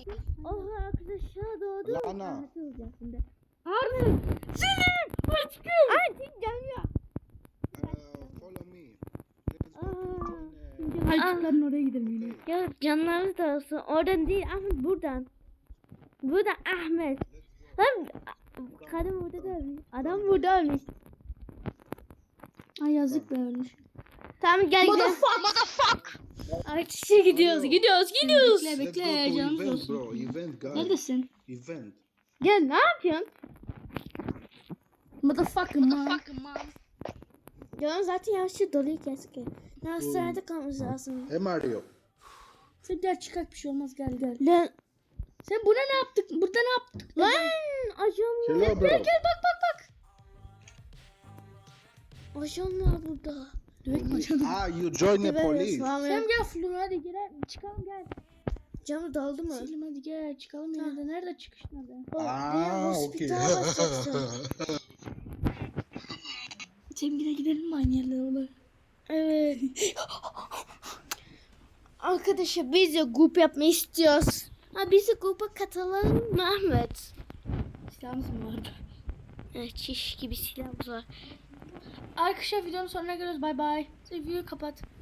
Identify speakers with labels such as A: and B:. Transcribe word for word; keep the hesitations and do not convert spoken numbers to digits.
A: Oha arkadaşlar doğdu.
B: Lana.
A: Ahmet olacak şimdi.
C: Harbi. Selim aşkım.
A: Ay tek canıyor.
B: Uh, follow me. Let's go to join, uh,
C: Ayçıkların oraya gidelim yine.
B: okay.
A: Ya canlarınız da olsun. Oradan değil Ahmet buradan. Buradan Ahmet. Lan kadın burada da ölmüş. Adam burada ölmüş.
C: Ay yazık da ölmüş.
A: Tamam gel gel.
D: Motherfuck.
A: Artışa gidiyoruz gidiyoruz gidiyoruz.
C: Bekle
B: Let's go
C: bekle
B: to
C: canımız
B: event,
C: olsun.
B: bro. Event, guys.
C: Neredesin?
B: Event.
A: Gel ne yapıyorsun?
C: Motherfucker man.
D: Motherfucking mom.
A: Canım zaten yavaşça doluyor keski. Hastanede kalmamız lazım.
B: Hey Mario.
C: Sen gel çıkak bir şey olmaz gel gel.
A: Lan
C: Sen buna ne yaptık? Burada ne yaptık?
A: lan ajan var.
B: Hello, bro.
C: Gel bak bak bak.
A: Ajan var burada.
C: Dövek mi aşağıda?
B: Ah, you join the police.
C: Sen gel Flur hadi gel çıkalım gel.
A: Canı daldı mı?
C: Selim hadi gel çıkalım yine de nerede çıkış nerede?
A: O diğer
B: Ah, okay.
A: hospitala basacaksın.
C: Selim yine gidelim mi aynı yerlere olur?
A: Evet. Arkadaşlar biz de grup yapmayı istiyoruz. Ha biz de gruba katılalım mı Ahmet?
C: Silahımız mı vardı?
A: Evet çiş gibi silahımız var.
C: Arkadaşlar videonun sonuna geliyoruz bay bay. Sen videoyu kapat.